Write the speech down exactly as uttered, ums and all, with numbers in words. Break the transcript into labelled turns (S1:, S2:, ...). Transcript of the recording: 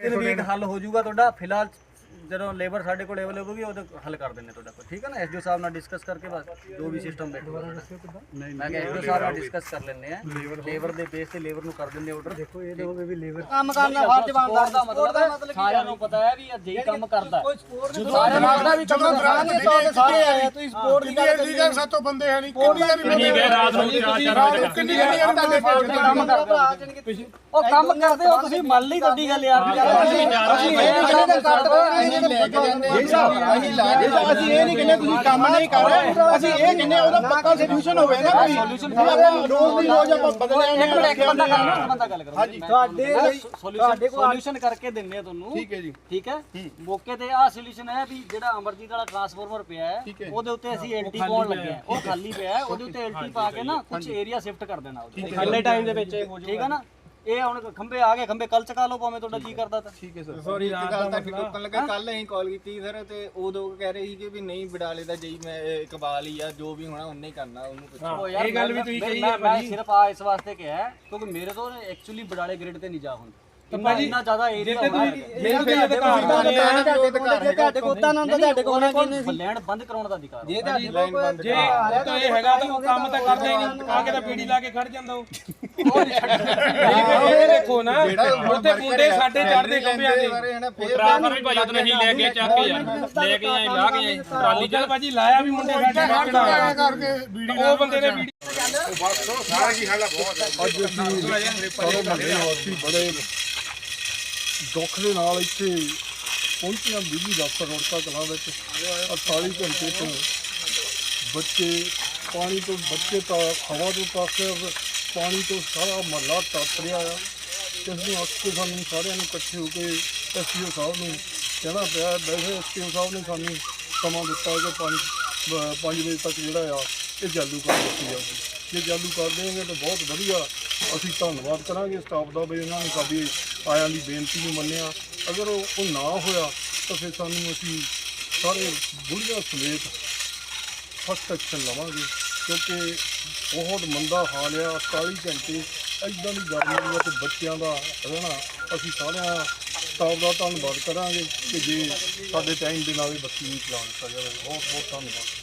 S1: ਤਿੰਨ ਵੀਕ ਹੱਲ ਹੋ ਜਾਊਗਾ ਤੁਹਾਡਾ। ਫਿਲਹਾਲ ਜਦੋਂ ਲੇਬਰ ਸਾਡੇ ਕੋਲ ਅਵੇਲੇਬਲ ਹੋਗੀ ਉਹਦੇ ਹੱਲ ਕਰ ਦਿੰਦੇ ਤੁਹਾਡਾ ਕੋਈ, ਠੀਕ ਹੈ ਨਾ। ਐਸਡੀਓ ਸਾਹਿਬ ਨਾਲ ਡਿਸਕਸ ਕਰਕੇ ਬਸ ਜੋ ਵੀ ਸਿਸਟਮ ਬੈਠੂਗਾ ਮੈਂ ਕਿਹਾ ਐਸਡੀਓ ਸਾਹਿਬ ਨਾਲ ਡਿਸਕਸ ਕਰ ਲੈਂਦੇ ਆ, ਲੇਬਰ ਦੇ ਬੇਸ ਤੇ ਲੇਬਰ ਨੂੰ ਕਰ ਦਿੰਦੇ ਆਰਡਰ। ਦੇਖੋ ਇਹ ਲੋਗੇ ਵੀ ਲੇਬਰ ਕੰਮ ਕਰਨ ਦਾ ਫਰਜ਼ ਬਣਦਾ ਦਾ ਮਤਲਬ ਸਾਰਿਆਂ ਨੂੰ ਪਤਾ ਹੈ ਵੀ ਅਜੇ ਹੀ ਕੰਮ ਕਰਦਾ ਸਾਰਿਆਂ ਨੂੰ ਪਤਾ ਵੀ ਕੰਮ ਕਰਾਂਗੇ ਤਾਂ ਸਾਰੇ ਆਏ ਤੁਸੀਂ ਸਪੋਰਟ ਦੀ ਗੱਲ ਕਰੀ ਜਾਂਦੇ। ਸਾਤੋਂ ਬੰਦੇ ਹੈ ਨਹੀਂ ਕਿੰਨੀ ਵਾਰੀ ਕਿੰਨੀ ਗਏ ਰਾਤ ਨੂੰ ਕਿੰਨੀ ਵਾਰੀ ਤੁਹਾਡੇ ਕੰਮ ਕਰਦੇ ਉਹ ਕੰਮ ਕਰਦੇ ਹੋ ਤੁਸੀਂ ਮੰਨ ਲਈ ਤੁਹਾਡੀ ਗੱਲ ਯਾਰ। ਅਸੀਂ ਇਹ ਨਹੀਂ ਕਹਿੰਦੇ ਤੁਸੀਂ ਕੰਮ ਨਹੀਂ ਕਰ ਰਹੇ, ਅਸੀਂ ਇਹ ਕਹਿੰਦੇ ਉਹਦਾ ਪੱਕਾ ਸੋਲੂਸ਼ਨ ਹੋਵੇ ਨਾ ਕੋਈ ਸੋਲੂਸ਼ਨ। ਰੋਜ਼ ਦੀ ਰੋਜ਼ ਆਪਾਂ ਬਦਲੇ ਇੱਕ ਮਿੰਟ ਬੰਦਾ ਗੱਲ ਬੰਦਾ ਗੱਲ ਕਰੋ ਹਾਂਜੀ ਤੁਹਾਡੇ ਤੁਹਾਡੇ ਕੋਲ ਸੋਲੂਸ਼ਨ ਕਰਕੇ ਦਿੰਨੇ ਆ ਤੁਹਾਨੂੰ। ਠੀਕ ਹੈ ਜੀ ਠੀਕ ਹੈ। ਮੌਕੇ ਤੇ ਆਹ ਸੋਲੂਸ਼ਨ ਹੈ ਵੀ ਜਿਹੜਾ ਅਮਰਜੀਤ ਵਾਲਾ ਟਰਾਂਸਫਾਰਮਰ ਪਿਆ ਹੈ ਉਹਦੇ ਉੱਤੇ ਅਸੀਂ ਐਲਟੀ ਪਾਉਣ ਲੱਗੇ ਆ, ਉਹ ਖਾਲੀ ਪਿਆ ਹੈ ਉਹਦੇ ਉੱਤੇ ਐਲਟੀ ਪਾ ਕੇ ਨਾ ਕੁਝ ਏਰੀਆ ਸ਼ਿਫਟ ਕਰ ਦੇਣਾ ਖਾਲੇ ਟਾਈਮ ਦੇ ਵਿੱਚ, ਠੀਕ ਹੈ ਨਾ। ਇਹ ਹੁਣ ਖੰਬੇ ਆ ਗਏ, ਖੰਬੇ ਕੱਲ ਚਕਾ ਲਓ ਭਾਵੇਂ ਤੁਹਾਡਾ ਜੀ ਕਰਦਾ ਤਾਂ। ਠੀਕ ਹੈ ਸਰ ਸੌਰੀ ਰਾਤ ਦਾ ਤੱਕ ਟੋਕਣ ਲੱਗਾ। ਕੱਲ ਅਸੀਂ ਕਾਲ ਕੀਤੀ ਸਰ ਤੇ ਉਦੋਂ ਕਹਿ ਰਹੇ ਸੀ ਕਿ ਵੀ ਨਹੀਂ ਬਡਾਲੇ ਦਾ ਜਈ ਮੈਂ ਇਕਬਾਲ ਹੀ ਆ, ਜੋ ਵੀ ਹੋਣਾ ਉਹਨੇ ਹੀ ਕਰਨਾ ਉਹਨੂੰ ਪੁੱਛੋ। ਇਹ ਗੱਲ ਵੀ ਤੁਸੀਂ ਕਹੀ ਹੈ ਮੈਂ ਸਿਰਫ ਆ ਇਸ ਵਾਸਤੇ ਕਿਹਾ ਕਿਉਂਕਿ ਮੇਰੇ ਤੋਂ ਐਕਚੁਅਲੀ ਬਡਾਲੇ ਗ੍ਰਿਡ ਤੇ ਨਹੀਂ ਜਾ ਹੁੰਦਾ ਇੰਨਾ ਜ਼ਿਆਦਾ ਏਰੀਆ ਹੋਣਾ ਤੁਹਾਡੇ ਕੋਲ ਤਾਂ ਨਾ ਤੁਹਾਡੇ ਕੋਲ ਲੈਂਡ ਬੰਦ ਕਰਾਉਣ ਦਾ ਅਧਿਕਾਰ ਜੇ ਤੁਹਾਡੇ ਕੋਲ ਜੇ ਤਾਂ ਇਹ ਹੈਗਾ ਤਾਂ ਉਹ ਕੰਮ ਤਾਂ ਕਰਦਾ ਹੀ ਨਹੀਂ, ਆ ਕੇ ਤਾਂ ਪੀੜੀ ਲਾ ਕੇ ਖੜ ਜਾਂਦਾ ਉਹ। ਇਹ ਦੇਖੋ ਨਾ ਉੱਥੇ ਮੁੰਡੇ ਸਾਡੇ ਚੜਦੇ ਖੰਭਿਆਂ ਦੇ ਟਰਾਂਸਫਰ ਵੀ ਭਾਈ ਉਹਨੇ ਹੀ ਲੈ ਕੇ ਚੱਕ ਕੇ ਯਾਰ ਲੈ ਕੇ ਆਏ ਲਾ ਕੇ ਟਰਾਲੀ ਚੱਲ ਭਾਜੀ ਲਾਇਆ ਵੀ ਮੁੰਡੇ ਸਾਡੇ ਨਾਲ ਕਰਕੇ ਬੀੜੀ ਉਹ ਬੰਦੇ ਨੇ ਬੀੜੀ ਬਸ ਸਾਰਾ ਹੀ ਹਾਲਾ ਬਹੁਤ ਅੱਜ ਸਾਰੇ ਮਹੱਲੇ ਵਾਸੀ ਬੜੇ ਦੁੱਖ ਦੇ ਨਾਲ ਇੱਥੇ ਪਹੁੰਚੀਆਂ ਬਿਜਲੀ ਦਫ਼ਤਰ ਰੋੜਕਾ ਕਲਾਂ ਵਿੱਚ ਅੜਤਾਲੀ ਘੰਟੇ ਤੋਂ ਬੱਚੇ ਪਾਣੀ ਤੋਂ ਬੱਚੇ ਤਾਂ ਹਵਾ ਤੋਂ ਤੱਕ ਪਾਣੀ ਤੋਂ ਸਾਰਾ ਮਹੱਲਾ ਤੱਪ ਰਿਹਾ ਆ। ਇਸ ਨੂੰ ਅੱਖ ਕੇ ਸਾਨੂੰ ਸਾਰਿਆਂ ਨੂੰ ਇਕੱਠੇ ਹੋ ਕੇ ਐਸਪੀਓ ਸਾਹਿਬ ਨੂੰ ਕਹਿਣਾ ਪਿਆ। ਵੈਸੇ ਐਸਪੀਓ ਸਾਹਿਬ ਨੇ ਸਾਨੂੰ ਸਮਾਂ ਦਿੱਤਾ ਕਿ ਪੰਜ ਪੰਜ ਵਜੇ ਤੱਕ ਜਿਹੜਾ ਆ ਇਹ ਚਾਲੂ ਕਰ ਦਿੱਤੀ ਜਾਊਗੀ। ਜੇ ਚਾਲੂ ਕਰ ਦੇਣਗੇ ਤਾਂ ਬਹੁਤ ਵਧੀਆ, ਅਸੀਂ ਧੰਨਵਾਦ ਕਰਾਂਗੇ ਸਟਾਫ ਦਾ ਵੀ ਉਹਨਾਂ ਨੇ ਸਾਡੀ ਆਇਆਂ ਦੀ ਬੇਨਤੀ ਨੂੰ ਮੰਨਿਆ। ਅਗਰ ਉਹ ਨਾ ਹੋਇਆ ਤਾਂ ਫਿਰ ਸਾਨੂੰ ਅਸੀਂ ਸਾਰੇ ਬੁੜੀਆਂ ਸਮੇਤ ਫਸਟ ਐਕਸ਼ਨ ਲਵਾਂਗੇ ਕਿਉਂਕਿ ਬਹੁਤ ਮੰਦਾ ਹਾਲ ਆ। ਅੜਤਾਲੀ ਘੰਟੇ ਇੱਦਾਂ ਦੀ ਗਰਮੀ ਅਤੇ ਬੱਚਿਆਂ ਦਾ ਰਹਿਣਾ। ਅਸੀਂ ਸਾਰਿਆਂ ਸਟਾਫ ਦਾ ਧੰਨਵਾਦ ਕਰਾਂਗੇ ਕਿ ਜੇ ਸਾਡੇ ਟਾਈਮ ਦੇ ਨਾਲ ਹੀ ਬੱਤੀ ਨਹੀਂ ਚਲਾ ਦਿੱਤਾ ਜਾਵੇ। ਬਹੁਤ ਬਹੁਤ ਧੰਨਵਾਦ।